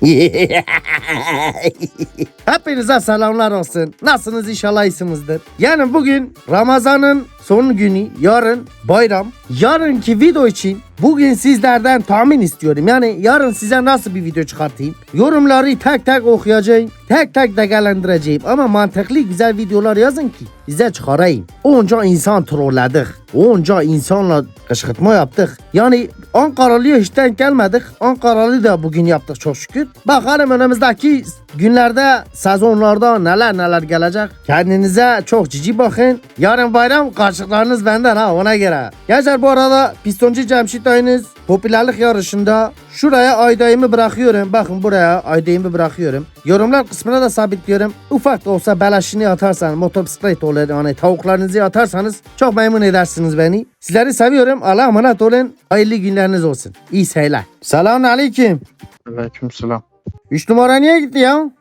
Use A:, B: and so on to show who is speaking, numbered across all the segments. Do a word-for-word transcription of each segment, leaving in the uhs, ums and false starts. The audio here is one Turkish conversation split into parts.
A: Hepinize selamlar olsun. Nasılsınız, inşallah iyisinizdir. Yani bugün Ramazan'ın son günü, yarın bayram. Yarınki video için bugün sizlerden tahmin istiyorum. Yani yarın size nasıl bir video çıkartayım? Yorumları tek tek okuyacağım. Tek tek değerlendireceğim. Ama mantıklı güzel videolar yazın ki size çıkarayım. Onca insan trolledik. Onca insanla kışkırtma yaptık. Yani Ankaralı'ya hiç denk gelmedik. Ankaralı da bugün yaptık çok şükür. Bakalım önümüzdeki günlerde, sezonlarda neler neler gelecek. Kendinize çok cici bakın. Yarın bayram, karşılıklarınız benden ha, ona göre. Gençler, bu arada Pistoncu Cemşit Dayınız popülerlik yarışında şuraya aydayımı bırakıyorum. Bakın buraya aydayımı bırakıyorum. Yorumlar kısmına da sabitliyorum. Ufak da olsa beleşini atarsanız, motosiklet olur, hani tavuklarınızı atarsanız çok memnun edersiniz beni. Sizleri seviyorum. Allah'a emanet olun. Hayırlı günleriniz olsun. İyi seyirler. Selamun aleyküm.
B: Aleykümselam.
A: Üç numara niye gitti ya?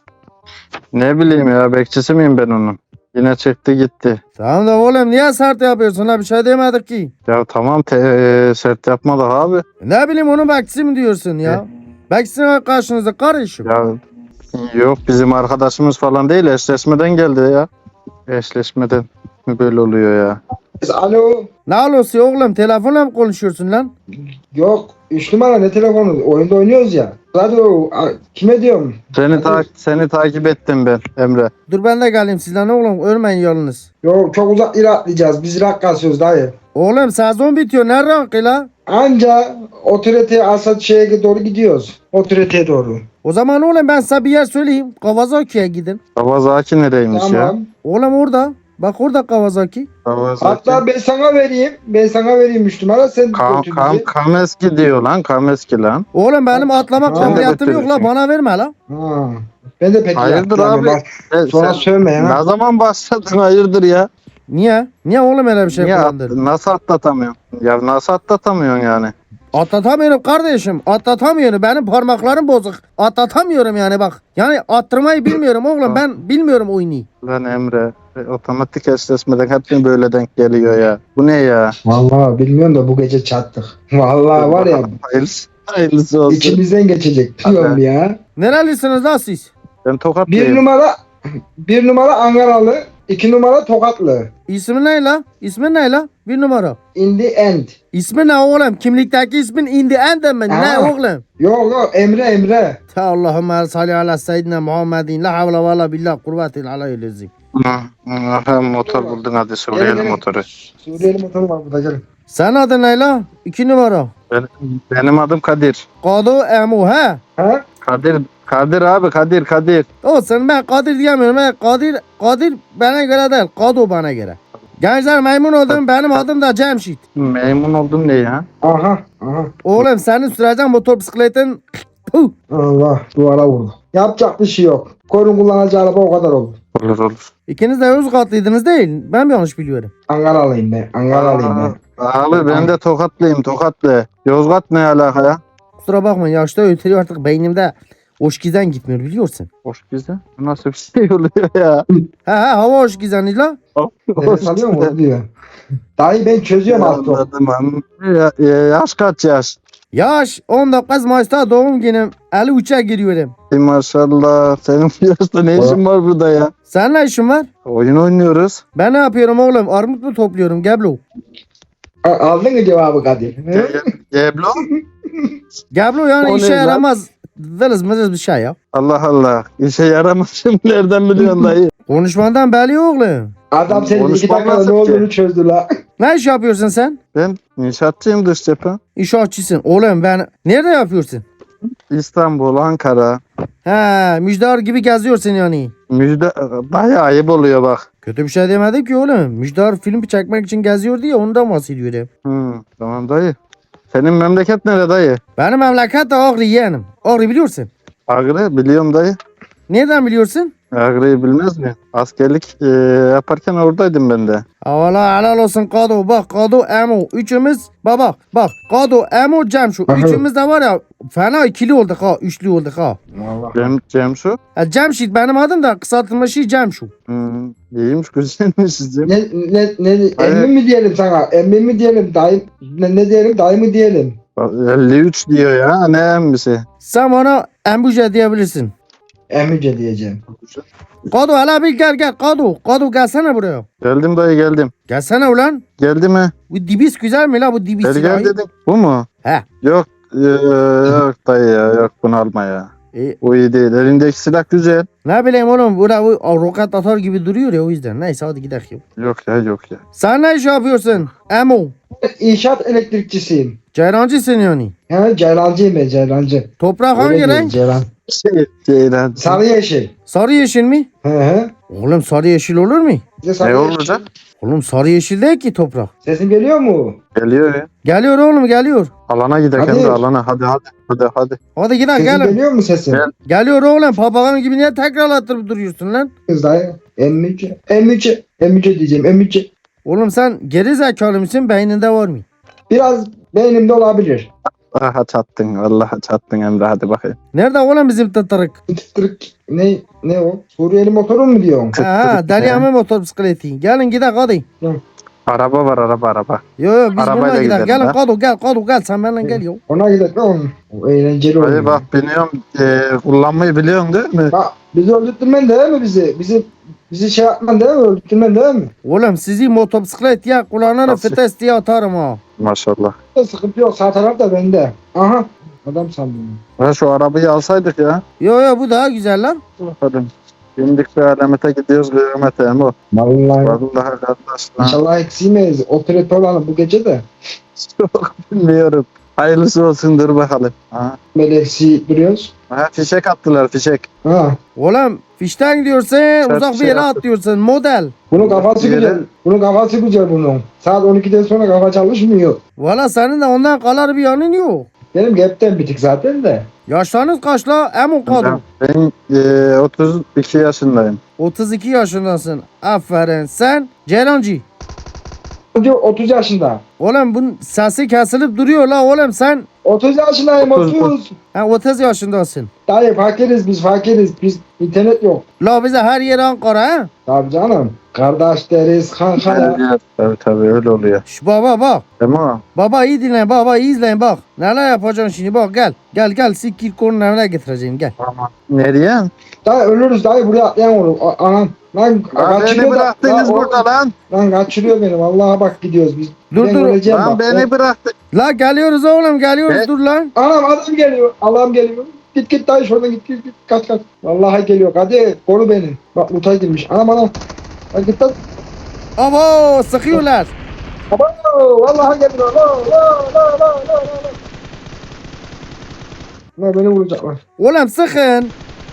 B: Ne bileyim ya, bekçisi miyim ben onun? Yine çıktı gitti.
A: Tamam da oğlum, niye sert yapıyorsun ha, bir şey demedik ki.
B: Ya tamam, te e, sert yapmadık abi.
A: Ne bileyim, onun bekçisi mi diyorsun ya? Bekçisi var karşınızda kardeşim.
B: Ya yok, bizim arkadaşımız falan değil, eşleşmeden geldi ya. Eşleşmeden mi böyle oluyor ya?
C: Alo.
A: Ne olursa oğlum, telefonla mı konuşuyorsun lan?
C: Yok. Üç numara ne telefonu? Oyunda oynuyoruz ya. Radyo. a- Kime diyorum?
B: Seni, ta seni takip ettim ben Emre.
A: Dur ben de geleyim sizden oğlum, ölmeyin yolunuz.
C: Yok, çok uzak yere atlayacağız. Biz rak kasıyoruz dayı.
A: Oğlum sezon bitiyor, ne rankı la?
C: Anca otoriteye Asat şeye doğru gidiyoruz. Otoriteye doğru.
A: O zaman oğlum ben size bir yer söyleyeyim. Kawasaki'ye gidin.
B: Kawasaki nereymiş ya?
C: Tamam.
A: Oğlum orada. Bak orada Kawasaki.
B: Kawasaki.
C: Hatta ben sana vereyim. Ben sana vereyim üç numara. Sen
B: Kam,
C: götür
B: kam,
C: bizi.
B: Kameski diyor lan, Kameski lan.
A: Oğlum benim atlama
C: Ha,
A: kabiliyetim yok la,
B: götürürsün.
A: bana verme la.
C: Ha. Ben de pek
B: Hayırdır
C: yaptım
B: abi?
C: Bak,
B: E,
C: sonra
B: sen
C: sövme ya.
B: ne zaman başladın, hayırdır ya?
A: Niye? Niye oğlum öyle bir şey
B: Niye at-
A: kullandın?
B: nasıl atlatamıyorsun? Ya nasıl atlatamıyorsun yani?
A: Atlatamıyorum kardeşim. Atlatamıyorum. Benim parmaklarım bozuk. Atlatamıyorum yani bak. Yani attırmayı bilmiyorum oğlum. Ben bilmiyorum oyunu.
B: Lan Emre, e, otomatik eşleşmeden hep mi böyle denk geliyor ya? Bu ne ya?
C: Vallahi bilmiyorum da bu gece çattık. Vallahi var ya,
B: Hayırlısı, hayırlısı olsun.
C: içimizden geçecek diyorum ya.
A: Nerelisiniz lan siz?
B: Ben
C: Bir
B: Tokatlıyım.
C: numara bir numara Ankaralı, iki numara Tokatlı.
A: İsmin ne la? İsmin ne la? Bir numara.
C: In the end.
A: İsmin ne oğlum? Kimlikteki ismin in the end mi? Ne
C: Ha.
A: oğlum?
C: Yok yok, Emre Emre.
A: Ta Allahümme salli ala seyyidina Muhammedin. La havle ve la billah kuvvetil alayyülezim.
B: Hı, hı, motor buldun, hadi
C: Gelin,
B: Suriyeli
C: gelin.
B: motoru.
C: Suriyeli motoru var burada, gelin.
A: Sen adın ne la? İki numara.
B: Ben, benim adım Kadir.
A: Kado Emu he?
C: Ha?
B: Kadir, Kadir abi, Kadir, Kadir.
A: Olsun, ben Kadir diyemiyorum. Ben Kadir, Kadir bana göre değil. Kado bana göre. Gençler memnun oldum. Benim adım da Cemşit.
B: Memnun oldum ne ya?
C: Aha aha.
A: Oğlum senin süreceğin motor bisikletin. Puh.
C: Allah, duvara vurdu. Yapacak bir şey yok. Korun kullanacağı araba o kadar olur.
B: Olur olur.
A: İkiniz de Yozgatlıydınız değil. Ben mi yanlış biliyorum?
C: Ankaralıyım ben. Ankaralıyım ben.
B: Abi ben de Tokatlıyım, Tokatlı. Yozgat ne alaka ya?
A: Kusura bakmayın, yaşta ötürü artık beynimde hoşgiden gitmiyor biliyorsun.
B: Hoş güzel. Bu nasıl bir şey oluyor ya?
A: He he, hava hoşgizeni la.
C: Nefes alıyor mu? O diyor. Dayı ben çözüyorum az çok.
B: Anladım anladım. Ya, ya, yaş kaç yaş?
A: Yaş on dokuz Mayıs'ta doğum günüm. elli üçe giriyorum.
B: Ey maşallah. Senin bu yaşta ne işin var burada ya?
A: Senin ne işin var?
B: Oyun oynuyoruz.
A: Ben ne yapıyorum oğlum? Armut mu topluyorum Geblo?
C: A- Aldın mı cevabı Kadir? He?
B: Ge- Geblo?
A: Geblo yani
B: O
A: işe
B: ne lan?
A: yaramaz. Vırız mırız bir şey ya.
B: Allah Allah. İşe yaramaz şimdi, nereden biliyorsun dayı?
A: Konuşmandan belli oğlum.
C: Adam senin iki
B: Konuşmam
C: dakikada
B: lazım
C: ne
B: ki.
C: olduğunu çözdü la.
A: Ne iş yapıyorsun sen?
B: Ben inşaatçıyım, dış cephe.
A: İnşaatçısın. Oğlum ben nerede yapıyorsun?
B: İstanbul, Ankara.
A: He, müjdar gibi geziyorsun yani.
B: Müjde bayağı ayıp oluyor bak.
A: Kötü bir şey demedim ki oğlum. Müjdar film çekmek için geziyor diye ondan bahsediyorum.
B: Hı, tamam dayı. Senin memleket nere dayı?
A: Benim memleket de Ağrı yeğenim. Ağrı biliyorsun.
B: Ağrı biliyorum dayı.
A: Nereden biliyorsun?
B: Ağrı'yı bilmez mi? Askerlik e, yaparken oradaydım ben de.
A: Valla helal olsun Kado. Bak Kado Emo. Üçümüz baba bak Kado Emo Cemşu.
C: Aha.
A: Üçümüz de var ya fena ikili olduk ha. Üçlü olduk ha.
C: Allah.
B: Cem, Cemşu.
A: Ha, Cemşit benim adım da kısaltılmışı Cemşu.
B: Hı, iyiymiş, güzelmiş sizin.
C: Ne, ne, ne,
B: Hayır.
C: emmi mi diyelim sana? Emmi mi diyelim? Dayı, ne, ne diyelim? Dayı mı diyelim?
B: elli üç diyor ya. Ne emmisi?
A: Sen bana embuja diyebilirsin.
C: Emice diyeceğim.
A: Kadu hele bir gel gel Kadu. Kadu gelsene buraya.
B: Geldim dayı geldim.
A: Gelsene ulan.
B: Geldi mi?
A: Bu dibis güzel mi la bu dibis
B: Gel gel
A: silahı?
B: dedim. Bu mu?
A: He.
B: Yok. Ee, yok dayı ya. Yok bunu alma ya.
A: E,
B: Bu iyi değil. Elindeki silah güzel.
A: ne bileyim oğlum burada bu roket atar gibi duruyor ya o yüzden. Neyse hadi gidelim.
B: Yok ya yok ya.
A: Sen ne iş yapıyorsun? Emo.
C: İnşaat elektrikçisiyim.
A: Ceyrancısın yani.
C: He Ceylancıyım ben Ceylancı.
A: Toprak
C: Öyle
A: hangi
C: diyor,
A: renk?
C: Ceylan.
B: Şey, Ceylan.
C: Sarı yeşil.
A: Sarı yeşil mi?
C: He he.
A: Oğlum sarı yeşil olur mu?
C: Bize sarı
B: Ne
C: yeşil.
B: olacak?
A: Oğlum sarı yeşil değil ki toprak.
C: Sesin geliyor mu?
B: Geliyor ya.
A: Geliyor oğlum geliyor.
B: Alana gidelim
C: Hadi.
B: de alana. Hadi hadi. Hadi hadi.
A: Hadi gidelim
C: Sesin
A: gelin.
C: geliyor mu sesin?
B: Gel.
A: Geliyor oğlum papağan gibi niye tekrar attırıp duruyorsun lan?
C: Kız dayı. Emice. Emice. Emice diyeceğim. Emice.
A: Oğlum sen geri zekalı mısın beyninde var mı?
C: Biraz beynimde olabilir.
B: Aha çattın. Vallahi çattın Emre hadi bakayım.
A: Nerede oğlum bizim tıtırık?
C: Tıktırık. Ne ne o? Suriyeli motoru mu diyorsun?
A: Ha deli ama motor bisikleti. Gelin gidelim hadi.
B: Araba var araba araba.
A: Yo yo biz
B: Arabayla
A: bununla gidelim.
B: gidelim
A: Gelin
B: ha.
A: Kadu gel Kadu gel sen benimle gel yo.
C: Ona gidelim oğlum. O eğlenceli
B: Hadi
C: oluyor.
B: bak biniyorum. E, kullanmayı biliyorsun değil mi?
C: Bak bizi öldürtmen değil mi bizi? Bizi bizi şey yapman değil mi? Öldürtmen değil mi?
A: Oğlum sizi motosiklet ya kulağına
B: Nasıl?
A: fites diye atarım ha.
B: Maşallah.
C: Sıkıntı yok. Sağ taraf da bende. Aha. Adam sandım.
B: Ha şu arabayı alsaydık ya.
A: Yo yo bu daha güzel lan.
B: Hadi. Bindik bir alamete gidiyoruz kıyamete Emo.
C: Vallahi.
B: Vallahi kardeş. lan.
C: İnşallah eksimeyiz. Operatör olalım bu gece de.
B: Çok bilmiyorum. Hayırlısı olsun dur bakalım. Ha.
C: Meleksi duruyoruz.
B: Ha, fişek attılar fişek.
C: Ha.
A: Oğlum fişten gidiyorsun uzak bir
B: şey
A: yere
B: yaptım.
A: atlıyorsun model.
C: Bunun kafası
B: Yere-
C: güzel. Bunun kafası güzel bunun. Saat on ikiden sonra kafa çalışmıyor.
A: Valla senin de ondan kalar bir yanın yok.
C: Benim gapten bitik zaten de.
A: Yaşlarınız kaç la? Emo Kadu.
B: Ben e, otuz iki yaşındayım.
A: otuz iki yaşındasın. Aferin. Sen Ceylancı.
C: Diyor otuz yaşında.
A: Oğlum bunun sesi kesilip duruyor la oğlum sen.
C: otuz yaşındayım
B: otuz,
C: otuz.
A: Ha otuz yaşındasın.
C: Dayı fakiriz biz fakiriz. Biz internet yok.
A: La bize her yer Ankara ha.
C: Tabii canım. Kardeş deriz kanka ya.
B: Tabii tabii öyle oluyor.
A: Şş, baba bak.
B: Emo.
A: Baba iyi dinle baba iyi izleyin bak. Neler yapacaksın şimdi bak gel. Gel gel sikir konunun evine getireceğim gel.
B: Tamam. Nereye?
C: Dayı ölürüz dayı buraya atlayan olur. A- Anam. Lan
B: Lan beni
C: kaçırıyor da.
B: bıraktınız
C: Lan, o-
B: burada lan.
C: Lan kaçırıyor beni. Vallahi bak gidiyoruz biz.
A: Dur,
C: Ben
A: dur.
C: öleceğim
B: Lan
C: bak.
B: beni bıraktın.
A: La geliyoruz oğlum geliyoruz
B: Ne?
A: dur lan.
C: Anam adam geliyor. Allah'ım geliyor. Git git dayı şuradan git git git. Kaç kaç. Vallahi geliyor. Hadi koru beni. Bak Utay girmiş. Anam anam. Hadi git lan.
A: Abo sıkıyorlar.
C: Aman vallahi geliyor. La la la la la la. La beni vuracaklar.
A: Oğlum sıkın.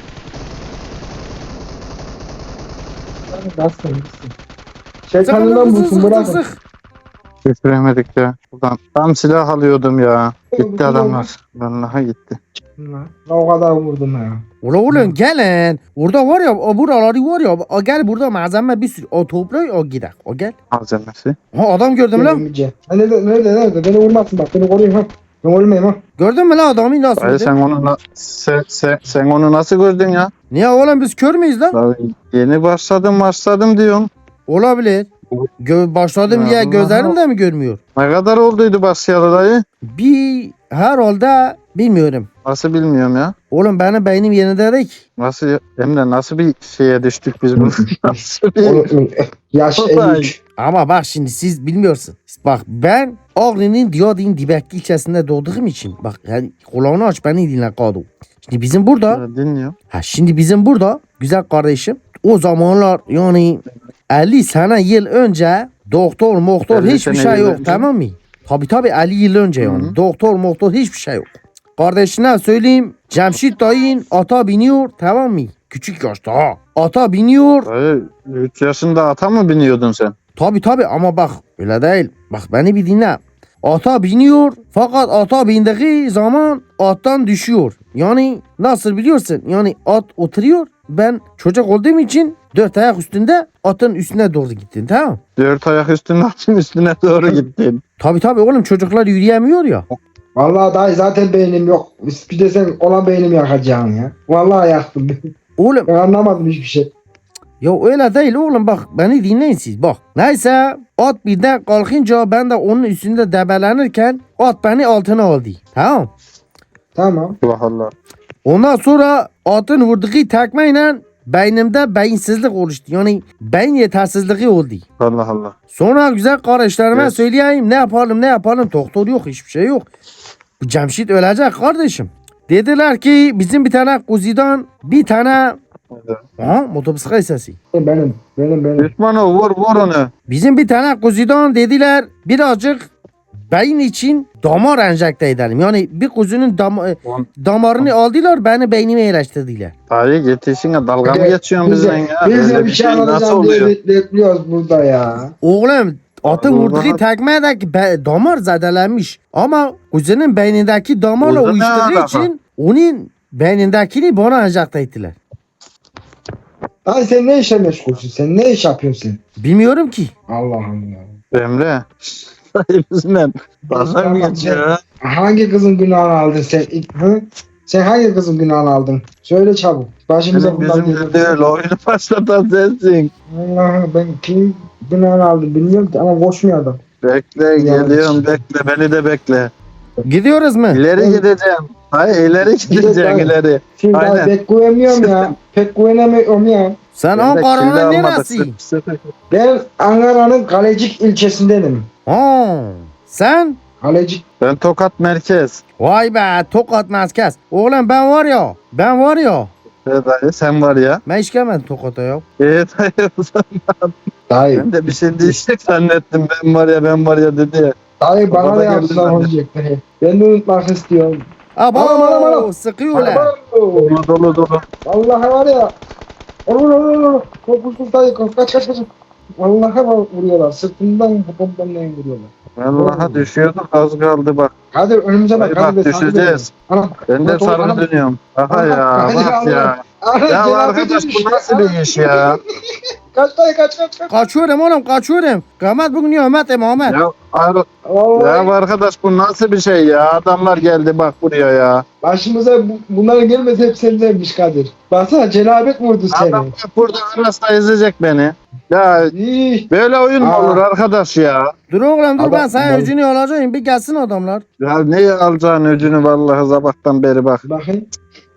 C: Bastın gitsin.
A: Sıkın
C: Şeytanından
A: sık
C: bulsun
A: sık sık
C: bırakın.
A: sık.
B: Götüremedik ya. Buradan tam silah alıyordum ya.
C: Bütün
B: Gitti adamlar. Vallahi gitti.
C: La o kadar vurdum ya.
A: Ula oğlum gelin. Orada var ya o buraları var ya. O gel burada malzeme bir sürü. O toprağı o gider. O gel.
B: Malzemesi.
A: Ha adam gördüm lan.
C: Gelmeyeceğim. Ha, nerede nerede nerede? Beni vurmasın bak. Beni koruyun ha. Ben ölmeyeyim ha.
A: Gördün mü lan adamı nasıl?
B: Dayı
A: vurdu?
B: sen onu, na- sen, sen, sen onu nasıl gördün ya?
A: Niye oğlum biz kör müyüz lan?
B: Dayı, yeni başladım başladım diyorsun.
A: Olabilir. Gö başladım
B: Ya
A: diye
B: Allah.
A: gözlerim de mi görmüyor?
B: Ne kadar olduydu başlayalı dayı?
A: Bir herhalde bilmiyorum.
B: Nasıl bilmiyorum ya.
A: Oğlum benim beynim yerinde değil ki.
B: Nasıl Emre nasıl bir şeye düştük biz bunu? Nasıl bir...
C: Oğlum, yaş
B: Vallahi.
C: elli üç.
A: Ama bak şimdi siz bilmiyorsun. Bak ben Ağrı'nın Diyadin Dibekli ilçesinde doğduğum için bak yani kulağını aç beni dinle Kadu. Şimdi bizim burada
B: Ya, dinliyorum.
A: ha şimdi bizim burada güzel kardeşim o zamanlar yani elli sene yıl önce doktor moktor
B: elli
A: hiçbir
B: sene
A: şey
B: yıl
A: yok
B: önce.
A: tamam mı? Tabi tabi elli yıl önce yani
B: Hı hı.
A: doktor moktor hiçbir şey yok. Kardeşine söyleyeyim Cemşit dayın ata biniyor tamam mı? Küçük yaşta ha. Ata biniyor.
B: Dayı üç yaşında ata mı biniyordun sen?
A: Tabi tabi ama bak öyle değil. Bak beni bir dinle. Ata biniyor fakat ata bindiği zaman attan düşüyor. Yani nasıl biliyorsun? Yani at oturuyor. Ben çocuk olduğum için dört ayak üstünde atın üstüne doğru gittin tamam mı?
B: Dört ayak üstüne atın üstüne doğru gittin.
A: Tabi tabi oğlum çocuklar yürüyemiyor ya.
C: Vallahi dayı zaten beynim yok. Bir de sen olan beynimi yakacaksın ya. Vallahi yaktım.
A: Oğlum
C: Ben anlamadım hiçbir şey.
A: Ya öyle değil oğlum bak beni dinleyin siz bak. Neyse at birden kalkınca ben de onun üstünde debelenirken at beni altına aldı. Tamam.
C: Tamam.
B: Allah Allah.
A: Ondan sonra atın vurduğu tekmeyle beynimde beyinsizlik oluştu. Yani beyin yetersizliği oldu.
B: Allah Allah.
A: Sonra güzel kardeşlerime
B: Evet.
A: söyleyeyim ne yapalım ne yapalım doktor yok hiçbir şey yok. Bu Cemşit ölecek kardeşim. Dediler ki bizim bir tane kuzidan bir tane aha motosiklet sesi.
C: Benim. Benim benim.
B: Düşmanı vur vur onu.
A: Bizim bir tane kuzudan dediler birazcık beyin için damar enjekte edelim. Yani bir kuzunun dam
B: On-
A: damarını aldılar beni beynime yerleştirdiler.
B: Dayı yetişine dalga mı
C: Evet,
B: geçiyorsun
C: biz de-
B: bizden ya?
C: Biz de
B: Öyle
C: bir şey
B: nasıl
C: anlatacağım diye
B: oluyor?
C: bek- bekliyoruz burada ya.
A: Oğlum atın
B: Allah
A: vurduğu
B: Allah.
A: tekmedeki be- damar zedelenmiş. Ama kuzunun beynindeki damarla
B: Kuzu ne
A: uyuştuğu
B: alaka?
A: için onun beynindekini bana enjekte ettiler.
C: Ay sen ne işle meşgulsün? Sen ne iş yapıyorsun sen?
A: Bilmiyorum ki.
C: Allah Allah.
B: Emre. Dayı bizimle dalga mı geçiyor ya?
C: Hangi kızın günahını aldın sen? İlk- Hı? Sen hangi kızın günahını aldın? Söyle çabuk. Başımıza
B: Bizim
C: bundan
B: bizim
C: gelir.
B: de değil oyunu başlatan sensin.
C: Allah ben kim günahını aldım bilmiyorum ki ama koşmuyor adam.
B: Bekle geliyorum bekle beni de bekle.
A: Gidiyoruz mu?
B: İleri
C: Ben-
B: gideceğim. Hayır ileri gideceğim
C: Gideceğim.
B: ileri.
C: Şimdi ben
B: Aynen.
C: pek güvenmiyorum ya. Pek güvenemiyorum ya.
A: Sen
B: Ben de kirli
A: Ankara'nın
B: almadık,
A: neresi?
B: sıfır sıfır.
C: Ben Ankara'nın Kalecik ilçesindenim.
A: Ha, sen?
C: Kalecik.
B: Ben Tokat merkez.
A: Vay be Tokat merkez. Oğlum ben var ya. Ben var ya.
B: Evet dayı sen var ya.
A: Ben hiç gelmedim Tokat'a ya.
B: Evet dayı o zaman.
C: Dayı.
B: Ben de bir şey diyecek zannettim. Ben var ya ben var ya dedi ya.
C: Dayı bana
B: Tokat'a
C: da
B: geldin
C: yaptılar
B: ben de.
C: olacak dayı. Ben de unutmak istiyorum.
A: Abo
C: Bana, bana, bana.
A: sıkıyorlar.
B: Dolu dolu dolu.
C: Vallahi var ya. Olur olur olur. Korkusuz dayı kaç kaç kaç. kaç. Vallahi var vuruyorlar. Sırtından popomdan vuruyorlar.
B: Vallahi düşüyorduk az kaldı bak.
C: Hadi önümüze bak.
B: Dayı
C: Hadi
B: bak
C: be, takip
B: düşeceğiz.
C: edelim. Anam.
B: Ben de
C: Bak,
B: sarı
C: anam.
B: dönüyorum. Aha
C: Anam,
B: ya
C: hadi
B: bak
C: Allah.
B: ya.
C: Ana,
B: Ya
C: cenabet
B: arkadaş
C: düşmüş.
B: bu nasıl bir iş ya?
C: Kaç dayı kaç kaç kaç.
A: Kaçıyorum oğlum kaçıyorum. Kıymet bugün Ahmet Muhammed.
B: Ya, ar-
C: Vallahi
B: ya arkadaş bu nasıl bir şey ya? Adamlar geldi bak buraya ya.
C: başımıza bu, bunlar gelmese hep sendenmiş Kadir. Baksana cenabet vurdu seni.
B: Adam bak burada arasında ezecek beni. Ya
C: İyi.
B: böyle oyun mu
C: Aa.
B: olur arkadaş ya?
A: Dur oğlum dur
C: Adam-
A: ben sana
C: adam-
A: öcünü alacağım. Bir gelsin adamlar.
B: Ya ne alacağın öcünü vallahi sabahtan beri bak.
C: Bakın.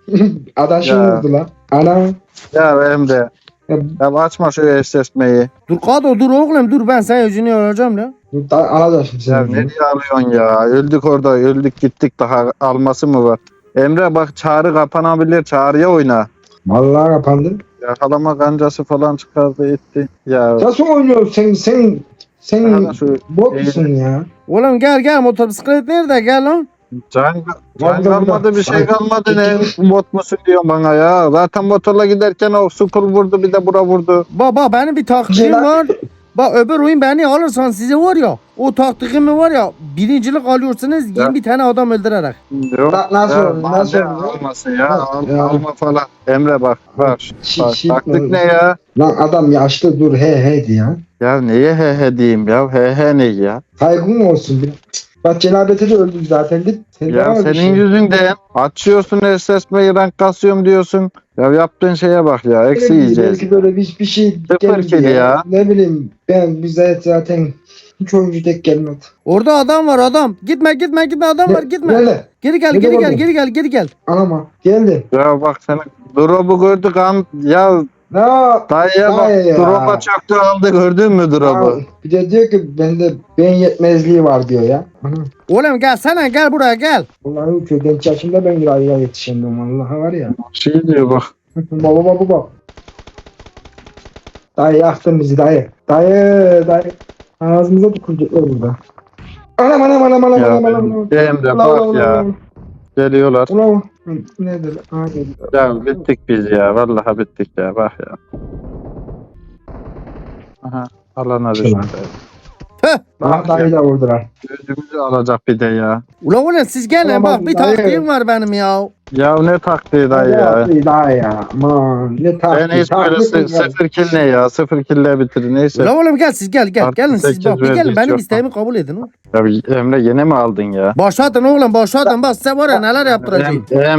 C: Adaşım
B: Ya.
C: vurdu lan. Anam.
B: Ya Emre.
C: Ya,
B: Ya açma şu eşleşmeyi.
A: Dur Kado dur oğlum dur ben sana öcünü alacağım lan.
C: da, alacağım
B: Ya
C: seni.
B: ne diye alıyorsun ya? Öldük orada öldük gittik daha alması mı var? Emre bak çağrı kapanabilir çağrıya oyna.
C: Vallahi kapandı.
B: Yakalama kancası falan çıkardı etti. Ya
C: Nasıl oynuyorsun sen? Sen sen
B: sana şu
C: bot musun ya?
A: Oğlum gel gel motosiklet nerede gel lan.
B: can, can
C: Vallahi
B: kalmadı
C: bak.
B: bir şey
C: Ay,
B: kalmadı
C: iki-
B: ne bot musun diyor bana ya. Zaten motorla giderken o sukul vurdu bir de bura vurdu.
A: Baba benim bir taktiğim
C: Celal-
A: var. Bak öbür oyun beni alırsan size var ya. O taktiğimi var ya. Birincilik alıyorsunuz
B: Ya.
A: yirmi tane adam öldürerek.
B: Yok.
C: Na- nasıl
B: ya,
C: oldu, nasıl
B: madem
C: oldu?
B: almasın ya, al-
C: Ya.
B: alma falan. Emre bak bak.
C: Şi-
B: bak
C: şi-
B: taktik ne ya?
C: Lan adam yaşlı dur he he diye. ya.
B: Ya neye he he diyeyim ya? He he ne ya?
C: Saygın olsun bir. Bak cenabete de öldük zaten git. Sen
B: Ya
C: devam et
B: senin
C: işte.
B: yüzünden açıyorsun eşleşmeyi rank kasıyorum diyorsun. Ya yaptığın şeye bak ya eksi
C: Belki-
B: yiyeceğiz.
C: Belki böyle bir, bir şey
B: Sıfır
C: geldi
B: kill ya.
C: Ne bileyim ben bize zaten hiç oyuncu tek gelmedi.
A: Orada adam var adam. Gitme gitme gitme adam var gitme.
C: Nerede?
A: Geri gel
C: Nerede
A: geri gel
C: oğlum?
A: geri gel geri gel.
C: Anama geldi.
B: Ya bak senin drop'u gördük an ya
C: Ne?
B: dayıya bak
C: Dayı ya.
B: drop'a çöktü aldı gördün mü drop'u?
C: Bir de diyor ki bende beyin yetmezliği var diyor ya. Ana.
A: Oğlum gel sana gel buraya gel.
C: Vallahi köyden genç yaşımda ben yayına yetişemiyorum vallahi var ya.
B: Şey diyor bak.
C: baba baba baba. Dayı yaktın bizi dayı. Dayı dayı. Ağzımıza tükürecekler burada. Anam anam anam anam
B: Ya
C: anam anam. anam.
B: Emre
C: Ulan,
B: bak
C: ulan,
B: ya
C: ulan,
B: geliyorlar.
C: ulan. Nerede lan? Aa, geldi.
B: Ya bittik biz ya vallahi bittik ya bak ya. Aha alana
C: Şey
B: düştü.
C: lan.
A: Tüh.
C: Bak dayı da vurdular.
B: Gözümüzü alacak bir de ya.
A: Ulan ulan siz gelin
C: Ulan
A: bak
C: bak,
A: bir
C: dayı.
A: taktiğim var benim ya.
B: Ya ne taktiği dayı ya.
C: Dayı dayı ya. Aman ne taktik.
B: Ben hiç böyle
C: taktik
B: sı-
C: mi?
B: sıfır kill ne ya? Sıfır kille bitir neyse.
A: Ulan oğlum gel siz gel gel
B: Artı
A: gelin siz
B: sekiz
A: bak bir
B: verdik,
A: gelin benim
B: yok.
A: isteğimi kabul edin. oğlum.
B: Ya Emre yine mi aldın ya?
A: Başlatın oğlum başlatın bak size var ya neler yaptıracağım.
B: Em- Emre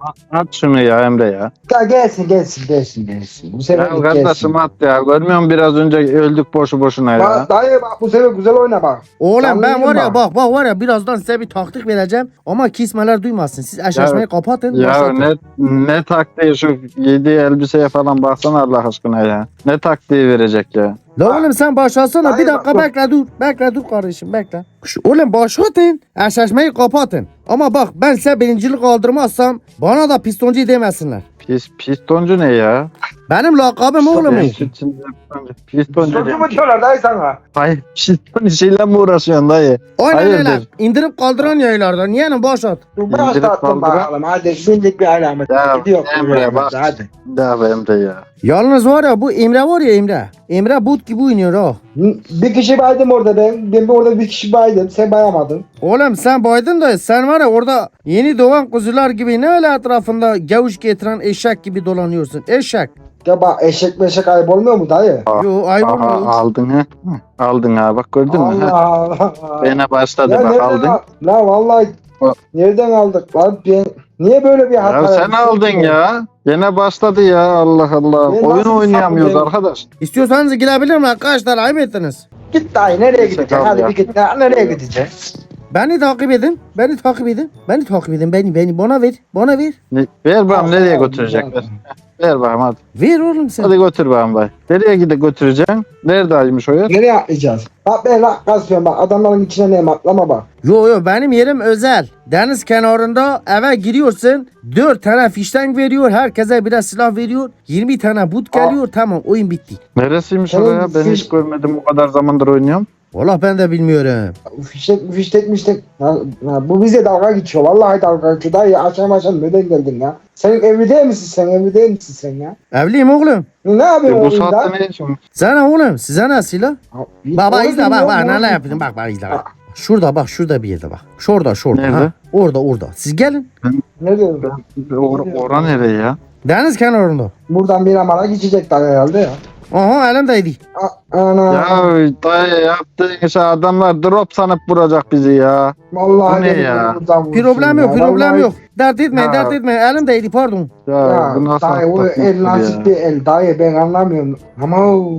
B: At şunu ya Emre ya.
C: Ya gelsin gelsin gelsin gelsin. Bu sefer
B: Ya kardeşim at ya. Görmüyor musun biraz önce öldük boşu boşuna ya.
C: Bak dayı bak bu sefer güzel oyna bak.
A: Oğlum
C: Canlı
A: ben
C: yayın
A: var ya
C: var.
A: bak bak var ya birazdan size bir taktik vereceğim ama kismeler duymasın. Siz eşleşmeyi kapatın.
B: Ya
A: başlatın.
B: ne ne taktiği şu giydiği elbiseye falan baksana Allah aşkına ya. Ne taktiği verecek ya.
A: La oğlum sen başlasana.
C: Hayır,
A: Bir dakika
C: bak-
A: bekle dur. Bekle dur kardeşim bekle. Şu- Oğlum başlatın. Eşleşmeyi kapatın. Ama bak ben size birincilik aldırmazsam bana da pistoncu demesinler.
B: Pis, pistoncu ne ya?
A: Benim lakabım oğlum o.
B: Pistoncu. Pistoncu
C: Çocuğu
B: ne?
C: mu diyorlar dayı sana?
B: Hayır piston işiyle mi uğraşıyorsun dayı?
A: Aynen
B: Hayırdır?
A: öyle. İndirip kaldıran yaylardan. Yeğenim başlat.
C: Dur
B: İndirip
C: başlattım
B: kaldıran-
C: bakalım hadi bindik bir alamet.
B: Ya,
C: Gidiyor
B: Emre, bak.
C: hadi.
B: Ya be Emre ya.
A: Yalnız var ya bu Emre var ya Emre. Emre but gibi oynuyor ha.
C: Bir kişi baydım orada ben. Ben orada bir kişi baydım. Sen bayamadın.
A: Oğlum sen baydın da sen var ya orada yeni doğan kuzular gibi ne öyle etrafında gavuş getiren eşek gibi dolanıyorsun. Eşek.
C: Ya bak eşek meşek ayıp olmuyor mu dayı?
A: Yo ayıp
B: Aha,
A: olmuyor.
B: aldın ha. Hı, aldın ha bak gördün mü?
C: Allah
B: Ha?
C: Allah.
B: Bana başladı
C: Ya
B: bak
C: nereden
B: aldın.
C: al- La vallahi
B: Bak.
C: nereden aldık lan? Ben, niye böyle bir hata
B: Ya sen
C: yaptın?
B: aldın ya. Gene başladı ya Allah Allah.
C: Ben
B: Oyun
C: nasıl
B: oynayamıyoruz
C: saplayayım?
B: arkadaş.
A: İstiyorsanız girebilir mi arkadaşlar? Ayıp ettiniz.
C: Git dayı nereye
B: Neyse,
C: gideceksin?
B: tamam
C: Hadi
B: ya.
C: bir git. Ya, nereye gideceksin?
A: Beni takip edin. Beni takip edin. Beni takip edin. Beni beni bana ver. Bana ver.
B: Ne- Ver bakalım
C: Allah
B: nereye
C: Allah.
B: götürecekler. Ver bakalım hadi.
A: Ver oğlum sen.
B: Hadi götür bakalım bay. Nereye gidip götüreceksin? Neredeymiş o yer?
C: Nereye atlayacağız? Bak ben lak kasıyorum bak adamların içine neyim atlama bak.
A: Yo yo benim yerim özel. Deniz kenarında eve giriyorsun. dört tane fişten veriyor. Herkese birer silah veriyor. yirmi tane but geliyor. Tamam oyun bitti.
B: Neresiymiş
C: Tamam,
B: oraya? Ben
C: siz-
B: hiç görmedim o kadar zamandır oynuyorum.
A: Valla ben de bilmiyorum.
C: Fiştek fiştek miştek. Ha, ha, bu bize dalga geçiyor. Vallahi dalga geçiyor. Dayı akşam akşam neden geldin ya? Sen evli değil misin sen? Evli değil misin sen ya?
A: Evliyim oğlum.
C: Ne yapıyorsun
B: E, bu
C: oyunda?
B: saatte ne için?
A: Sana oğlum size ne silah?
C: Ha,
A: Baba
C: onu
A: izle bak
C: bilmiyorum,
A: bak
C: onu
A: neler yapayım bak bak izle bak.
C: Ha.
A: Şurada bak şurada bir yerde bak. Şurada şurada.
B: Nerede?
A: Ha. Orada orada. Siz gelin.
C: Ne diyorsun?
B: Or ora nereye ya?
A: Deniz kenarında.
C: Buradan bir amara geçecek dayı herhalde ya.
A: Aha elimdeydi.
C: A- Ana.
B: Ya dayı yaptığın işe adamlar drop sanıp vuracak bizi ya.
C: Vallahi
B: bu ne
C: beni
B: ya?
C: buradan vursun
A: Problem yok
C: ya.
A: problem
C: Vallahi-
A: yok. Dert etmeyin
B: Ya.
A: dert etmeyin. Elimdeydi pardon.
B: Ya,
C: Ya
B: bu nasıl
C: dayı o
B: atlatmaktır
C: el nasıl
B: ya?
C: bir el dayı ben anlamıyorum. Ama o-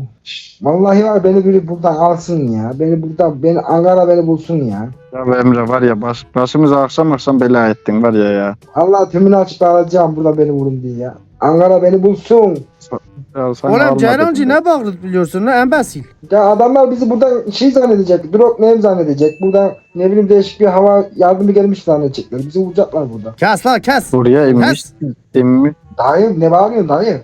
C: vallahi var beni biri buradan alsın ya. Beni buradan beni Ankara beni bulsun ya.
B: Ya be Emre var ya baş, başımıza akşam akşam bela ettin var ya ya.
C: Allah tümünü açıp alacağım burada beni vurun diye ya. Ankara beni bulsun.
B: Ya sen
A: Oğlum
B: almadın
A: Ceylancı
B: mı?
A: ne bağırıp biliyorsun lan embesil.
C: Ya adamlar bizi buradan şey zannedecek. Drop name zannedecek. Buradan ne bileyim değişik bir hava yardımı gelmiş zannedecekler. Bizi vuracaklar burada.
A: Kes lan kes.
B: Buraya inmiş.
A: Kes.
B: İnmiş.
C: Dayı ne bağırıyorsun dayı?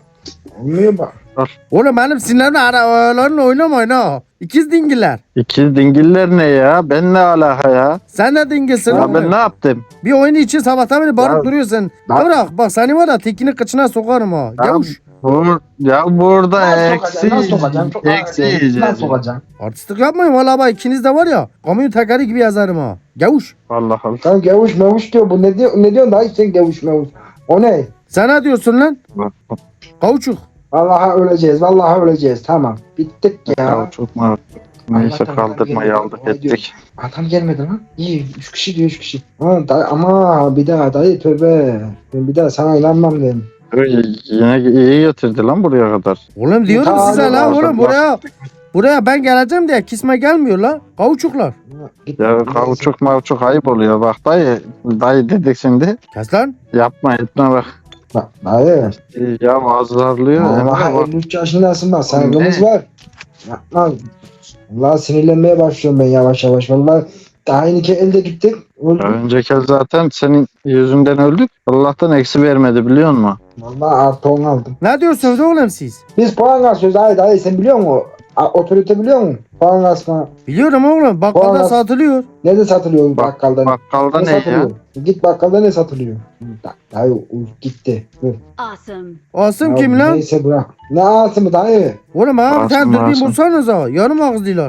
C: Olmuyor bak.
A: Oğlum benim sinirlerimle aralarını oynamayın ha. İkiz dingiller.
B: İkiz dingiller ne ya? Ben ne alaka ya?
A: Sen de dingilsin
B: Ya
A: oğlum.
B: ben ne yaptım?
A: Bir oyun için sabahtan beri bağırıp
C: Ya-
A: duruyorsun.
C: Ya-
A: Bırak bak seni var ya tekini kıçına sokarım ha.
B: Ya-
A: Yavuş.
B: Bur ya burada
C: Nasıl
B: eksi
C: sokacaksın? Nasıl sokacaksın? Çok
B: eksi
C: ağır.
B: yiyeceğiz.
C: Nasıl sokacaksın?
A: Artistlik yapmayın valla bak ikiniz de var ya. Kamyon tekeri gibi yazarım ha. Yavuş.
B: Allah Allah.
C: Sen gevuş mevuş diyor. Bu ne diyor? Ne diyorsun dayı sen gevuş mevuş? O ne?
A: Sen ne diyorsun lan? Kavuçuk.
C: Vallahi öleceğiz. Vallahi öleceğiz. Tamam. Bittik ya.
B: Ya çok mu? Neyse
C: Allah'tan
B: kaldırmayı
C: adam
B: aldık
C: gelmedi.
B: ettik.
C: Adam gelmedi lan. İyi. Üç kişi diyor üç kişi. Ha, dayı, ama bir daha dayı tövbe. Ben bir daha sana inanmam ben.
B: Öyle Yine iyi getirdi lan buraya kadar.
A: Oğlum diyorum
C: Tamam,
A: size lan
B: tamam.
A: oğlum buraya. Buraya ben geleceğim diye kisme gelmiyor la. Kavuçuklar.
C: Git.
B: Ya kavuçuk mavçuk ayıp oluyor bak dayı. Dayı dedik şimdi.
A: Kes lan.
B: Yapma etme bak.
C: Bak dayı.
B: Ya azarlıyor. Emre
C: Vallahi
B: bak.
C: elli üç yaşındasın bak.
B: Ne?
C: Saygımız var. Yapma. Vallahi sinirlenmeye başlıyorum ben yavaş yavaş. Vallahi daha yeni ki elde gittik. Öldük.
B: Ya önceki el zaten senin yüzünden öldük. Allah'tan eksi vermedi biliyor musun?
C: Vallahi artı on aldım.
A: Ne diyorsunuz oğlum siz?
C: Biz puan kasıyoruz dayı dayı sen biliyor musun? A- Otorite biliyor musun? Puan kasma.
A: Biliyorum oğlum bakkalda
C: Oğlum.
A: satılıyor.
C: Nerede satılıyor
B: Bak-
C: bakkalda?
B: Bakkalda
C: ne
B: ne ya?
C: satılıyor? Git bakkalda ne satılıyor? Da- Dayı u- gitti. Dur.
D: Awesome.
A: Asım
C: Ya
A: kim lan?
C: Neyse bırak. Ne ağzı dayı?
A: Oğlum ha bir
B: Asım,
A: tane dürbün
B: Asım.
A: bulsanıza. Yarım ağızlılar.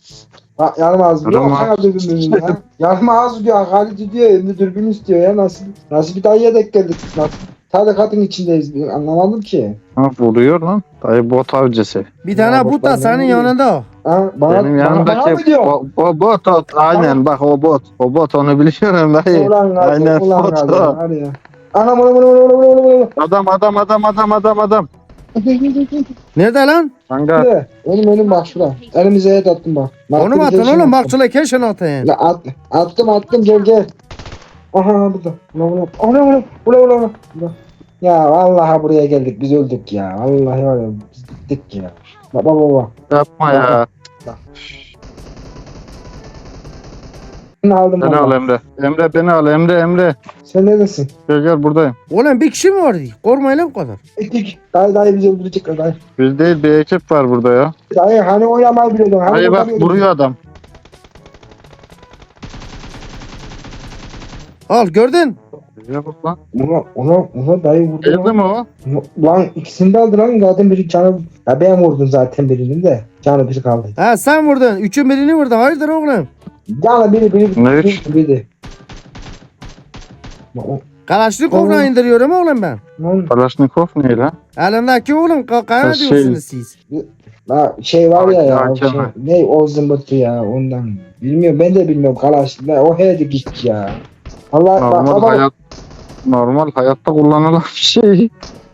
C: Bak yarım ağzı diyor.
B: Yarım
C: Sana dürbün ya. Yarım ağzı diyor. Halit diyor. Hem dürbün istiyor ya. Nasıl nasıl bir dayıya denk geldik? Nasıl tarikatın içindeyiz. Ben anlamadım ki.
B: Ha vuruyor lan. Dayı bot avcısı.
A: Bir tane
C: Ya bak,
A: but da
C: ben
A: senin
C: ne
A: yanında.
C: Ha, bana,
B: Benim
C: bana, bana mı
B: yanımdaki
C: diyor?
B: o, o bot o, aynen bak o bot. O bot onu biliyorum dayı.
C: Ulan gazı,
B: Aynen
C: ulan
B: foto.
C: gazı. Hadi ya. Anam anam anam anam anam anam.
B: Adam adam adam adam adam adam.
A: Nerede lan?
B: Kanka
C: Ne? Oğlum önüm bak şurada. Elimize et attım bak.
A: Onu mu atın oğlum? Bak şöyle keşen atın.
C: La at, attım attım gel gel. Aha burada. Ulan ulan. Ulan ulan. Ulan ulan ulan. Ya vallahi buraya geldik biz öldük ya. Vallahi var ya biz bittik ya. Baba baba.
B: yapma ya.
C: Beni aldım
B: Beni
C: valla.
B: al Emre. Emre beni al Emre Emre.
C: Sen neredesin?
B: Gel gel buradayım.
A: Oğlum bir kişi mi vardı? Korkmayın lan bu kadar.
C: Ettik. Dayı dayı bizi öldürecek dayı.
B: Bir değil bir ekip var burada ya.
C: Dayı hani oynamayı biliyordun. Hani
B: Hayır bak
C: oynamıyordun.
B: vuruyor adam.
A: Al gördün.
B: Ya bak lan.
C: Ulan ulan ulan dayı vurdu.
B: Geldi
C: lan.
B: mi o?
C: Lan ikisini de aldı lan zaten biri canı. Ya ben vurdum zaten birini de. Canı biri kaldı.
A: Ha sen vurdun. Üçün birini vurdu. Hayırdır oğlum?
C: Canı biri biri
B: Ne?
C: biri biri. Lan-
A: Kalaşnikov'la
C: Oğlum.
A: indiriyorum oğlum ben.
C: Lan
B: Kalashnikov ne lan?
A: Elimdeki oğlum kaya
B: Ha,
A: ne
B: şey.
A: diyorsunuz siz?
C: la şey var ya ya.
B: Hakem
C: Şey,
B: mi?
C: ne o zımbırtı ya ondan. Bilmiyorum ben de bilmiyorum kalaş. La, o hedi git ya. Allah bak
B: Normal
C: baba.
B: hayat normal hayatta kullanılan bir şey.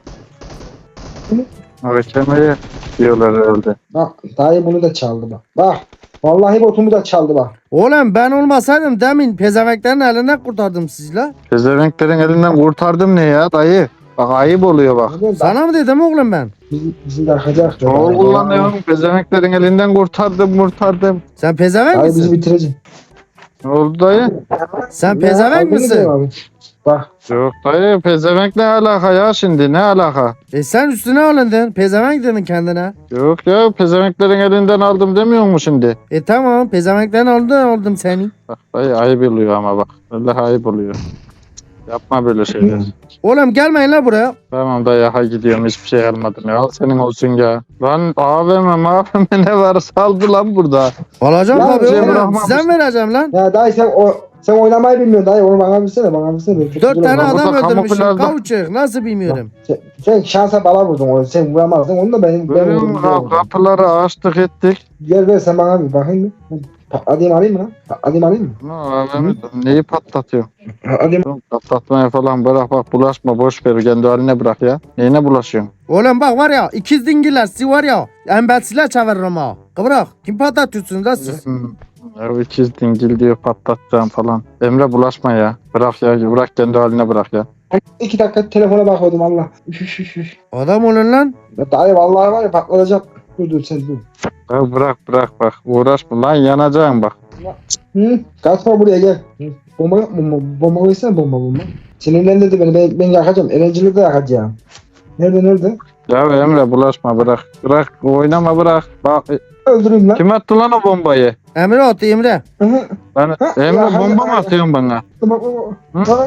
B: Hakemeye diyorlar herhalde.
C: Bak dayı bunu da çaldı bak. Bak. Vallahi botumu da çaldı bak.
A: Oğlum ben olmasaydım demin pezemeklerin elinden kurtardım sizi la.
B: Pezevenklerin elinden kurtardım ne ya dayı? Bak ayıp oluyor bak.
C: Sana...
A: Sana mı dedim oğlum ben?
C: Bizi, bizi yakacak. ya.
B: Çoğul kullanıyorum. Pezevenklerin elinden kurtardım kurtardım.
A: Sen pezevenk
C: Dayı bizi
A: misin?
C: bitirecek.
B: Ne oldu dayı?
A: Sen
C: Ya,
A: pezevenk
C: abi, ne
A: misin?
C: diyor abi? Bak.
B: Yok dayı pezevenk ne alaka ya şimdi ne alaka?
A: E sen üstüne alındın. Pezevenk dedin kendine.
B: Yok ya pezevenklerin elinden aldım demiyor mu şimdi?
A: E tamam pezevenklerin aldım aldım seni.
B: Bak dayı ayıp oluyor ama bak. Vallahi ayıp oluyor. Yapma böyle şeyler.
A: Oğlum gelmeyin la buraya.
B: Tamam dayı ha gidiyorum hiçbir şey almadım ya. Al senin olsun ya. Lan A V M A V M ne var saldı lan burada.
A: Alacağım
C: Ya,
A: tabii
C: şey
A: oğlum.
B: bırakmamış.
A: Size mi vereceğim lan?
C: Ya dayı sen o sen oynamayı bilmiyorsun dayı. Onu bana bilsene bana bilsene. Ben kötü
A: Dört
C: duruyorum.
A: tane
B: Burada
A: adam öldürmüşüm.
B: kamuflajda-
A: Kavuçuk. Nasıl bilmiyorum.
C: Sen, sen şansa bala vurdun onu. Sen vuramazdın. Onu da benim ben
B: Böyle
C: vurdum.
B: ka- kapıları açtık ettik.
C: Gel ver sen bana bir bakayım bir. Patlatayım alayım mı lan? Patlatayım alayım mı?
B: Ne A V M neyi patlatıyor?
C: Patlatayım.
B: Oğlum, Patlatmaya falan bırak bak bulaşma boş ver kendi haline bırak ya. Neyine bulaşıyorsun?
A: Oğlum bak var ya ikiz dingiller sizi var ya. Embelsiler çeviririm ha. Kıvrak. Kim patlatıyorsunuz da siz?
B: Hmm, Ya ikiz dingil diyor patlatacağım falan. Emre bulaşma ya. Bırak ya bırak kendi haline bırak ya.
C: İki dakika telefona bakıyordum Allah. Üş üş üş üş.
A: Adam olun lan.
C: Ya dayı vallahi var ya patlatacak. Dur dur sen dur.
B: Ya bırak bırak bak uğraşma lan yanacaksın bak.
C: Hı? Kaçma buraya gel. Hı? Bomba yok mu? Bomba koysana bomba bomba. Sinirlendirdi beni. Ben, ben yakacağım. Erencili de yakacağım. Nerede nerede?
B: Ya Emre bulaşma bırak. Bırak oynama bırak. Bak e,
C: Öldüreyim lan.
B: kim attı lan o bombayı?
A: Emre attı Emre.
C: Hı hı.
B: Ben,
C: Ha,
B: Emre
C: ya,
B: bomba
C: hayır,
B: mı atıyorsun bana?
C: Bak, bak, bak.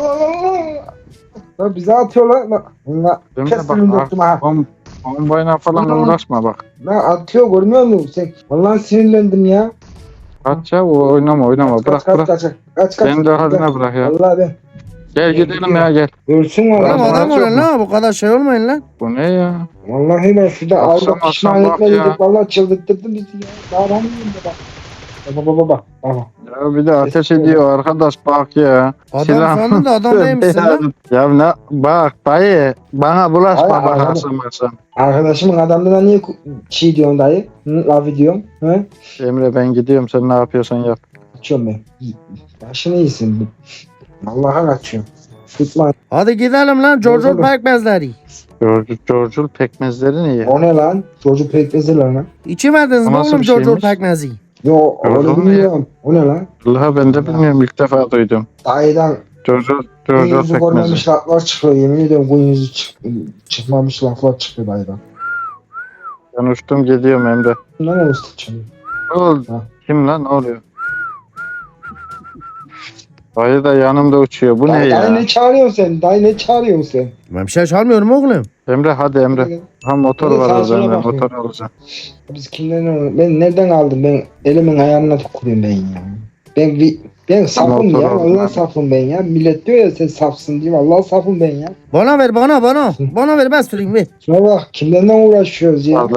C: Lan bize atıyorlar. Lan, lan
B: Emre
C: kesin
B: bak
C: döktüm ha.
B: bom, bombayla falan
C: Hı.
B: uğraşma bak.
C: Lan atıyor görmüyor musun sen? Vallahi sinirlendim ya.
B: Kaç ya o- oynama oynama bırak
C: kaç,
B: bırak.
C: Kaç kaç kaç kaç.
B: Kendi haline bırak ya.
C: Vallahi ben.
B: Gel gidelim ya gel.
C: Ölsün
A: Oğlum
C: vallahi.
B: Tamam,
A: adam
B: çok
A: olun
B: mu?
A: lan. Bu kadar şey olmayın lan.
B: Bu ne ya?
C: Vallahi ben şurada
B: Akşam
C: Avrupa pişman
B: akşam bak
C: etmeliydik.
B: ya.
C: Vallahi çıldırttırdın bizi ya. Daha ben miyim baba? Baba baba baba. Aha.
B: Ya bir de ateş ediyor arkadaş bak ya.
A: Adam
B: Silah-
A: sandın da adam değilmişsin lan.
B: Ya ne bak dayı bana bulaşma
C: Hayır,
B: bak
C: hayır.
B: akşam akşam.
C: Arkadaşımın adamına niye ku- çiğ diyorsun dayı? Hı, laf ediyorsun. Hı?
B: Emre ben gidiyorum sen ne yapıyorsan yap.
C: Kaçıyorum ben. Başını iyisin. Allah'a kaçıyorum. Tutma.
A: Hadi gidelim lan. George
C: Olur.
A: pekmezleri.
B: George, George'ul pekmezleri niye?
C: O ne lan? Çocuk pekmezi lan.
A: İçemediniz
B: O
A: mi
B: nasıl
A: oğlum
B: bir
A: George
B: şeymiş?
A: pekmezi?
C: Yo
B: Gördün
C: onu
B: mü ya?
C: bilmiyorum. O ne lan?
B: Allah ben de bilmiyorum ilk defa duydum.
C: Dayıdan
B: George,
C: gün
B: George
C: yüzü
B: pekmezi.
C: görmemiş laflar çıkıyor. Yemin ediyorum gün yüzü çık çıkmamış laflar çıkıyor dayıdan.
B: Ben uçtum gidiyorum Emre.
C: Ne ne usta çalıyor?
B: Ne oldu?
C: Ha.
B: Kim lan ne oluyor? Dayı da yanımda uçuyor. Bu ne
C: Dayı,
B: ya?
C: dayı ne çağırıyorsun sen? Dayı ne çağırıyorsun sen?
A: Ben bir şey çalmıyorum oğlum.
B: Emre hadi Emre. Ha motor
C: Evet,
B: var
C: sağa
B: orada
C: sola
B: Emre.
C: bakıyorum.
B: Motor alacağım.
C: Biz kimden aldık? Ben nereden aldım? Ben elimin ayarına tükürüyorum ben ya. Ben vi- ben safım
B: Motor
C: ya.
B: aldım
C: Allah
B: ben.
C: safım ben ya. Millet diyor ya sen safsın diye. Allah safım ben ya.
A: Bana ver bana bana. Bana ver ben süreyim ver.
C: Şuna bak kimlerden uğraşıyoruz ya.
B: Vallahi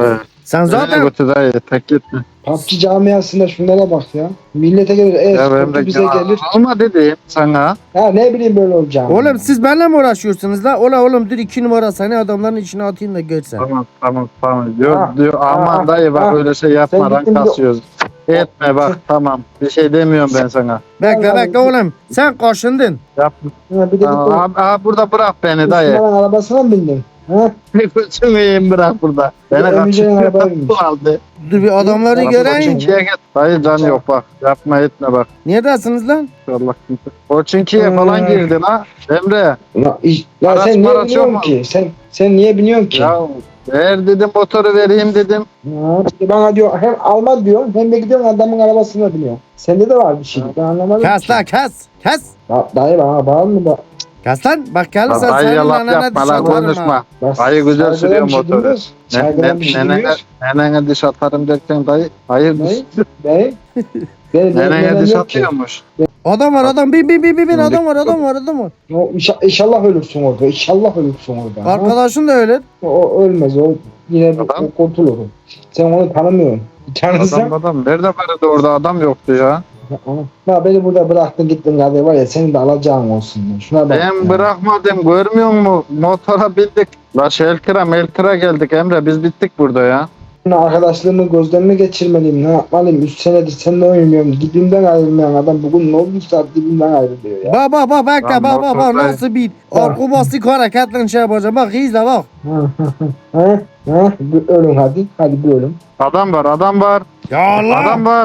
A: Sen
B: Zaten...
A: zaten
B: götür dayı tek gitme.
C: P U B G camiasında şunlara bak ya. Millete gelir,
B: Ya ben
C: e-sporcu
B: de
C: bize gelir.
B: alma dedim sana.
C: Ya ne bileyim böyle olacağını.
A: oğlum siz benimle mi uğraşıyorsunuz la? Ola oğlum dur iki numara seni adamların içine atayım da görsen.
B: Tamam tamam tamam. Diyor,
C: Ha,
B: diyor aman
C: ha,
B: dayı bak
C: ha.
B: öyle şey yapma
C: Sen
B: rank
C: gittin bir de-
B: kasıyoruz. Etme bak tamam. Bir şey demiyorum ben sana.
A: Bekle
C: Vallahi-
A: bekle oğlum. Sen kaşındın.
B: Yap.
C: Ha, bir de
B: Aa,
C: gittin.
B: abi, abi burada bırak beni dayı.
C: Müslümanın arabasına mı bindin? Ha?
B: Koçum iyiyim bırak burada. Beni
C: Ya, Emice'nin arabaya
B: kaçırıyor.
C: binmiş.
B: Bu aldı.
A: Dur bir adamları
C: Bak,
A: göreyim.
C: koçum.
B: Çiğe git. Dayı can yok bak. Yapma etme bak.
A: Neredesiniz lan?
B: Allah kimse. Koçinki'ye
C: Hmm.
B: falan girdin ha. Emre.
C: Ya, iş- ya
B: Araç
C: sen niye
B: maraç
C: biniyorsun
B: yok mu?
C: ki? Sen sen niye biniyorsun ki?
B: Ya ver dedim motoru vereyim dedim.
C: Ya, işte bana diyor hem alma diyor hem de gidiyorsun adamın arabasına biniyor. Sende de var bir şey. Ben anlamadım
A: Kes
C: ki.
A: lan kes. Kes.
C: Da, dayı bana bağırma da.
A: Kes lan. Bak gelirsen
B: Dayı
A: senin
B: laf
A: anana
B: yapma
A: diş
B: lan
A: atarım ha.
B: konuşma.
C: Bak,
B: Dayı güzel
C: saygıdan
B: sürüyor
C: bir şey
B: motoru.
C: demiyoruz.
B: Ne,
C: Saygıdan
B: ne,
C: bir şey
B: nenene,
C: demiyoruz.
B: nenene diş atarım derken dayı. Hayır.
C: Dayı, dayı. Benim
B: Nenene
C: nenem
B: diş
C: yok ki.
B: atıyormuş.
A: Adam var adam bin bin bin bin bin
B: Şimdi-
A: adam var adam var adam var.
C: O, inşa- İnşallah ölürsün orada. İnşallah ölürsün orada. Ha?
A: Arkadaşın da öyle.
C: O ölmez. O yine bir
B: Adam?
C: o kurtulur. Sen onu tanımıyorsun. Tanırsan.
B: Adam adam. Nerede vardı orada adam yoktu ya.
C: Ya beni burada bıraktın gittin kardeşim var ya senin de alacağın olsun. Şuna bak.
B: Ben
C: ya.
B: bırakmadım görmüyor musun? Motora bindik. La Şelkira Melkira geldik Emre biz bittik burada ya.
C: Arkadaşlığımı gözden mi geçirmeliyim? Ne yapmalıyım? üç senedir seninle oynuyorum. Dibimden ayrılmayan adam bugün ne olduysa dibimden ayrılıyor ya.
A: Bak bak bak bekle
B: Lan
A: bak bak bak
B: motor
A: nasıl bir akrobastik hareketlerini şey yapacağım. Bak izle bak.
C: Ha? Ha? Bir ölün hadi. Hadi bir ölün.
B: Adam var adam var.
A: Ya Allah.
B: Adam var.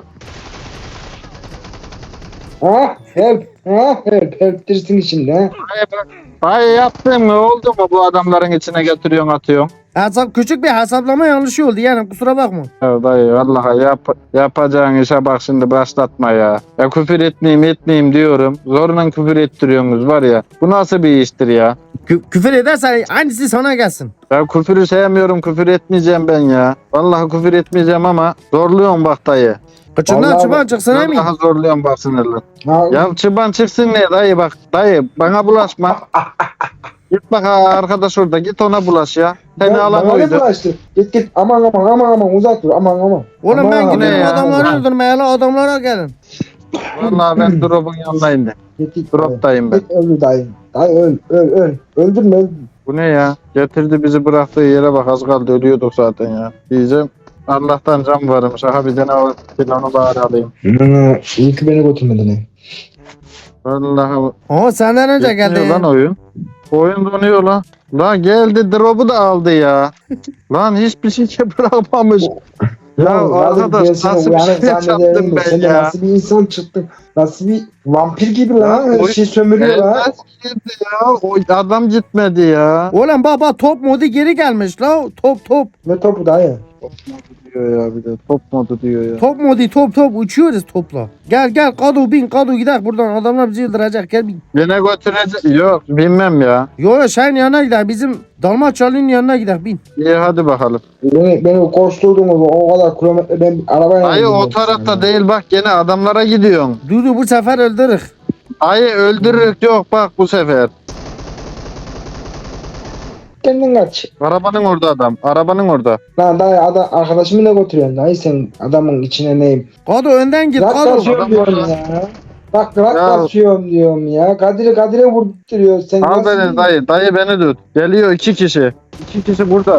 C: Ha? Help. Ha? Help. Help dirsin içinde. Ha?
B: Hayır, bak. Hayır yaptın mı oldu mu bu adamların içine getiriyorsun atıyorsun.
A: Hesap küçük bir hesaplama yanlışı oldu yani kusura bakma.
B: Ya dayı vallahi yap, yapacağın işe bak şimdi başlatma ya. Ya küfür etmeyeyim etmeyeyim diyorum. Zorla küfür ettiriyorsunuz var ya. Bu nasıl bir iştir ya?
A: Kü- küfür edersen aynısı sana gelsin.
B: Ya küfürü sevmiyorum küfür etmeyeceğim ben ya. Vallahi küfür etmeyeceğim ama zorluyorum bak dayı.
A: Kıçından
C: Vallahi
A: çıban
C: bak-
A: çıksın emin.
B: Vallahi zorluyorum bak sinirli.
C: Ha?
B: Ya çıban çıksın ne dayı bak dayı bana bulaşma. Git bak ha, arkadaş orada git ona bulaş ya. Seni
C: Ya,
B: alan
C: bana ne
B: oydu.
C: bulaştı? Git git. Aman aman aman aman uzak dur. Aman aman.
A: Oğlum
C: Aman,
A: ben
C: aman,
A: gidiyorum
B: ya.
A: adamları
C: aman.
A: öldürmeye la adamlara gelin.
B: Vallahi ben drop'un yanındayım de.
C: Git git.
B: Drop'tayım ben.
C: Git öldür dayı. Dayı öl öl öl. Öldürme öldürme.
B: Bu ne ya? Getirdi bizi bıraktığı yere bak az kaldı ölüyorduk zaten ya. Diyeceğim Allah'tan can varmış. Aha bir tane o silahını bari alayım.
C: Hı, iyi ki beni götürmedin. he.
B: Vallahi
A: Ama senden önce
B: yetmiyor
A: geldi.
B: lan oyun. Oyun donuyor lan. Lan geldi drop'u da aldı ya. Lan hiçbir şey bırakmamış. Ya
C: Vallahi
B: arkadaş
C: gelsin,
B: nasıl bir
C: uyanık
B: şey
C: zannederim
B: yaptım
C: de
B: ben
C: sen de
B: ya?
C: Nasıl bir insan çıktın? Nasıl bir vampir gibi
B: Ya,
C: lan? Her
B: oyun-
C: şey sömürüyor lan.
B: Elbet girdi ya. O adam gitmedi ya.
A: Oğlum baba top modu geri gelmiş la top top.
C: Ne topu dayı?
B: Diyor ya bir de top modu diyor ya.
A: Top modu top top uçuyoruz topla. Gel gel kadu bin kadu gider buradan adamlar bizi öldürecek gel bin.
B: Yine götürecek. Yok bilmem ya.
A: Yo yo şeyin yanına gider bizim Dalmaçyalı'nın yanına gider bin.
B: İyi hadi bakalım.
C: Beni, beni koşturdunuz o kadar kilometre ben arabayla
B: Hayır o
C: gidiyorum.
B: tarafta değil bak gene adamlara gidiyorsun.
A: Dur dur bu sefer öldürürük.
B: Hayır öldürürük yok bak bu sefer.
C: Kendin kaç.
B: Arabanın orada adam. Arabanın orada.
C: Lan dayı adam, arkadaşımı ne götürüyorsun dayı sen adamın içine neyim?
A: Kadu önden git
C: Rak
A: kadu.
C: basıyorum
B: Adam
C: diyorum
B: orada.
C: ya. Bak rak
B: Ya.
C: basıyorum diyorum ya. Kadir'e Kadir'e vurduruyor. Sen
B: Al
C: nasıl-
B: beni dayı. Dayı beni tut. Geliyor iki kişi. İki kişi burada.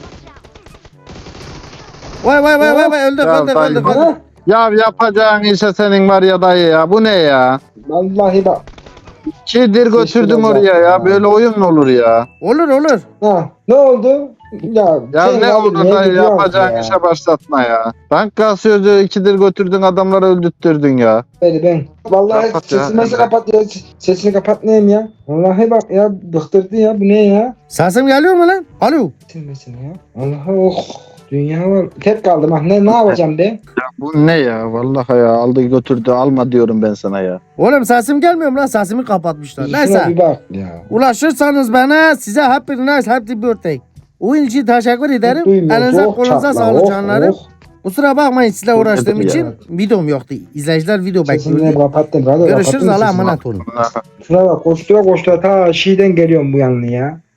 A: Vay vay vay vay vay öldük
B: Ya
A: öldük
B: dayı
A: öldük
B: bak.
A: öldük.
C: Ha?
B: Ya yapacağın işe senin var ya dayı ya. Bu ne ya?
C: Vallahi bak.
B: Kidir götürdüm oraya ya. Böyle oyun mu olur ya?
A: Olur olur.
C: Ha, ne oldu? Ya,
B: Ya
C: sen
B: ne
C: abi
B: oldu
C: niye
B: dayı
C: gidiyorsun
B: yapacağın
C: ya?
B: işe başlatma ya. Bank kasıyordu ikidir götürdün adamları öldürttürdün ya.
C: Beni ben. Vallahi
B: Kapat ya,
C: sesini nasıl
B: Emre.
C: kapat ya? Sesini kapat neyim ya? Vallahi bak ya bıktırdı ya. Bu ne ya?
A: Sesim geliyor mu lan? Alo.
C: Silmesin ya. Allah'a oh. Dünya var. Tek kaldım. Ah ne ne yapacağım be?
B: Bu ne ya? Vallahi ya aldı götürdü alma diyorum ben sana ya.
A: Oğlum sesim gelmiyor mu lan? Sesimi kapatmışlar.
C: Şuna
A: Neyse.
C: bir bak ya.
A: Ulaşırsanız bana size happy nice happy birthday. Oyun için teşekkür ederim.
C: Duymuyoruz.
A: Elinize
C: Oh,
A: kolunuza
C: çatla,
A: sağlık
C: oh,
A: canlarım.
C: oh.
A: Kusura bakmayın sizle uğraştığım
B: ya.
A: için videom yoktu. İzleyiciler video
C: Sesini
A: bekliyordu.
C: kapattım. Hadi
A: Görüşürüz
C: kapattım
A: Allah'a
C: sesini.
A: emanet olun.
B: Vallahi.
C: Şuna bak koştura koştura ta Şii'den geliyorum bu yanına ya.